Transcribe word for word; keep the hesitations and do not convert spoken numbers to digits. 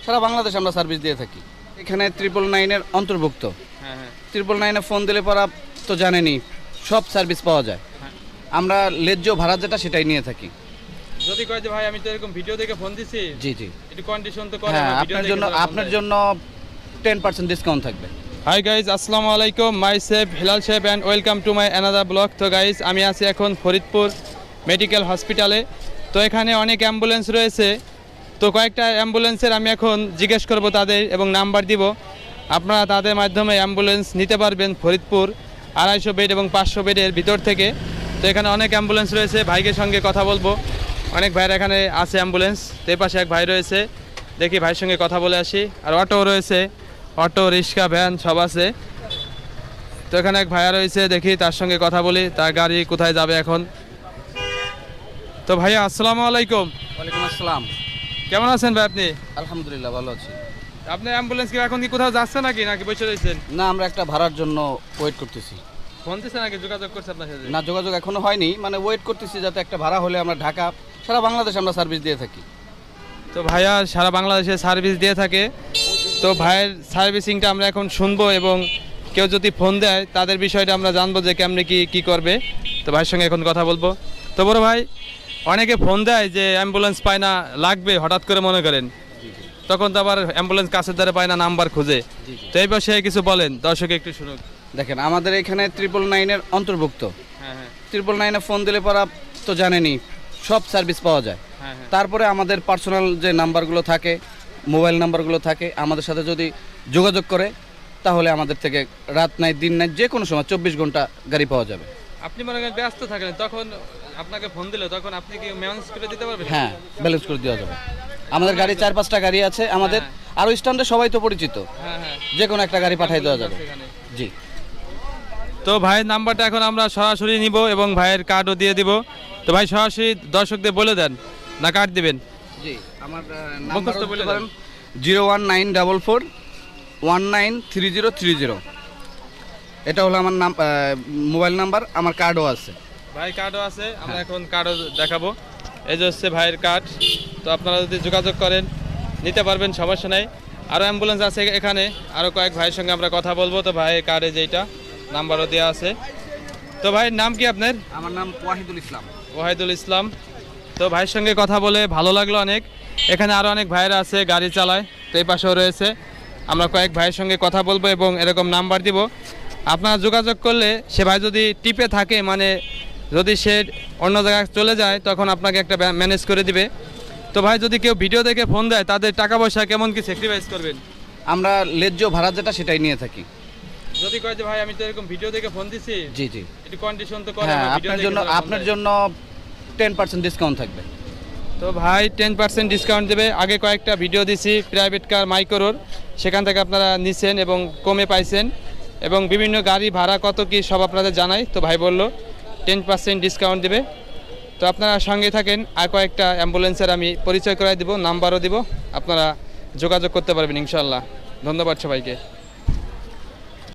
সারা বাংলাদেশে আমরা সার্ভিস দিয়ে থাকি। এখানে ট্রিপল নাইনের অন্তর্ভুক্ত। হ্যাঁ হ্যাঁ ট্রিপল নাইনে ফোন দিলে পরা তো জানেনই সব সার্ভিস পাওয়া যায়। আমরা লেজ্জ ভাড়া যেটা সেটাই নিয়ে থাকি। যদি কয় যে ভাই আমি তো এরকম ভিডিও দেখে ফোন দিছি, জি জি একটু কন্ডিশন তো করে হ্যাঁ, আমার ভিডিও আপনার দেখে জন্য যারা ফোন আপনার দেয়। জন্য টেন পার্সেন্ট ডিসকাউন্ট থাকবে। হাই গাইজ, আসসালামু আলাইকুম, my self Hilal chef and welcome to my another blog. তো গাইজ, আমি আছি এখন ফরিদপুর মেডিকেল হসপিটালে। তো এখানে অনেক অ্যাম্বুলেন্স রয়েছে। তো কয়েকটা অ্যাম্বুলেন্সের আমি এখন জিজ্ঞেস করব তাদের এবং নাম্বার দিব। আপনারা তাদের মাধ্যমে অ্যাম্বুলেন্স নিতে পারবেন ফরিদপুর আড়াইশো বেড এবং পাঁচশো বেডের ভিতর থেকে। তো এখানে অনেক অ্যাম্বুলেন্স রয়েছে, ভাইয়ের সঙ্গে কথা বলবো। অনেক ভাইয়ের এখানে আছে অ্যাম্বুলেন্স। তো এই পাশে এক ভাই রয়েছে, দেখি ভাইয়ের সঙ্গে কথা বলে আসি। আর অটো রয়েছে, অটো রিক্সা ভ্যান সব আছে। তো এখানে এক ভাইয়া রয়েছে, দেখি তার সঙ্গে কথা বলি, তার গাড়ি কোথায় যাবে এখন। তো ভাইয়া আসসালামু আলাইকুম। ওয়ালাইকুম আসসালাম। কেমন আছেন ভাই আপনি? আলহামদুলিল্লাহ ভালো আছি। আপনি অ্যাম্বুলেন্স কি এখন কি কোথাও যাচ্ছে নাকি নাকি বসে রয়েছেন? না, আমরা একটা ভাড়ার জন্য ওয়েট করতেছি। ফোন দিচ্ছে নাকি যোগাযোগ করছে আপনার সাথে? না, যোগাযোগ এখনো হয়নি, মানে ওয়েট করতেছি যাতে একটা ভাড়া হলে আমরা ঢাকা সারা বাংলাদেশে আমরা সার্ভিস দিয়ে থাকি। তো ভাইয়া সারা বাংলাদেশে সার্ভিস দিয়ে থাকে। তো ভাইয়ের সার্ভিসিংটা আমরা এখন শুনবো এবং কেউ যদি ফোন দেয় তাদের বিষয়টা আমরা জানবো যে কেমনি কি কি করবে। তো ভাইয়ের সঙ্গে এখন কথা বলবো। তো বড় ভাই, অনেকে ফোন দেয় যে অ্যাম্বুলেন্স পায় না, লাগবে হঠাৎ করে মনে করেন, তখন তো আবার অ্যাম্বুলেন্স কাছের দ্বারা পায় না, নাম্বার খুঁজে। তো এই বিষয়ে কিছু বলেন, দর্শক একটু শুনুক। দেখেন, আমাদের এখানে ট্রিপল নাইনের অন্তর্ভুক্ত। হ্যাঁ হ্যাঁ ট্রিপল নাইনে ফোন দিলে পরা তো জানেনই সব সার্ভিস পাওয়া যায়। হ্যাঁ হ্যাঁ তারপরে আমাদের পার্সোনাল যে নাম্বারগুলো থাকে, মোবাইল নাম্বারগুলো থাকে, আমাদের সাথে যদি যোগাযোগ করে তাহলে আমাদের থেকে রাত নাই দিন নাই যে কোনো সময় চব্বিশ ঘন্টা গাড়ি পাওয়া যাবে। আপনি মনে করেন ব্যস্ত থাকেন, তখন আপনাকে ফোন দিলে তখন আপনি কি ম্যানেজ করে দিতে পারবেন? হ্যাঁ, ব্যালেন্স করে দেওয়া যাবে। আমাদের গাড়ি চার পাঁচটা গাড়ি আছে আমাদের, আরও স্ট্যান্ডে সবাই তো পরিচিত, হ্যাঁ হ্যাঁ যে কোনো একটা গাড়ি পাঠিয়ে দেওয়া যাবে। এখানে। জি। তো ভাইয়ের নাম্বারটা এখন আমরা সরাসরি নিব এবং ভাইয়ের কার্ডও দিয়ে দিব। তো ভাই সরাসরি দর্শকদের বলে দেন, না কার্ড দিবেন? জি, আমার মুখস্থ বলে দেন। Zero one nine double four one nine three zero three zero এটা হলো আমার নাম, মোবাইল নাম্বার। আমার কার্ডও আছে। ভাই কার্ডও আছে, আমরা এখন কার্ডও দেখাবো। এই যে হচ্ছে ভাইয়ের কার্ড। তো আপনারা যদি যোগাযোগ করেন নিতে পারবেন, সমস্যা নাই। আরও অ্যাম্বুলেন্স আছে এখানে, আরও কয়েক ভাইয়ের সঙ্গে আমরা কথা বলবো। তো ভাইয়ের কার্ডে যেইটা নাম্বারও দেওয়া আছে। তো ভাইয়ের নাম কি আপনার? আমার নাম ওয়াহিদুল ইসলাম। ওয়াহিদুল ইসলাম। তো ভাইয়ের সঙ্গে কথা বলে ভালো লাগলো অনেক। এখানে আরও অনেক ভাইয়েরা আছে, গাড়ি চালায়। তো এই পাশেও রয়েছে, আমরা কয়েক ভাইয়ের সঙ্গে কথা বলবো এবং এরকম নাম্বার দিব। আপনারা যোগাযোগ করলে সে ভাই যদি টিপে থাকে, মানে যদি সে অন্য জায়গায় চলে যায়, তখন আপনাকে একটা ম্যানেজ করে দিবে। তো ভাই, যদি কেউ ভিডিও দেখে ফোন দেয় তাদের টাকা পয়সা কেমন কি স্যাক্রিফাইস করবেন? আমরা লেজ্জ ভাড়া যেটা সেটাই নিয়ে থাকি। যদি কয় যে ভাই আমি তো এরকম ভিডিও দেখে ফোন দিছি, জি জি একটু কন্ডিশন তো করে হ্যাঁ, আমার ভিডিও আপনার দেখে জন্য যারা ফোন আপনার দেয়। জন্য টেন পার্সেন্ট ডিসকাউন্ট থাকবে। তো ভাই টেন পার্সেন্ট ডিসকাউন্ট দেবে। আগে কয়েকটা ভিডিও দিছি প্রাইভেট কার মাইক্রোর, সেখান থেকে আপনারা নিছেন এবং কমে পাইছেন, এবং বিভিন্ন গাড়ি ভাড়া কত কি সব আপনাদের জানাই। তো ভাই বললো টেন পার্সেন্ট ডিসকাউন্ট দেবে। তো আপনারা সঙ্গে থাকেন, আর কয়েকটা অ্যাম্বুলেন্সের আমি পরিচয় করাই দিব, নাম্বারও দিব, আপনারা যোগাযোগ করতে পারবেন ইনশাল্লাহ। ধন্যবাদ সবাইকে।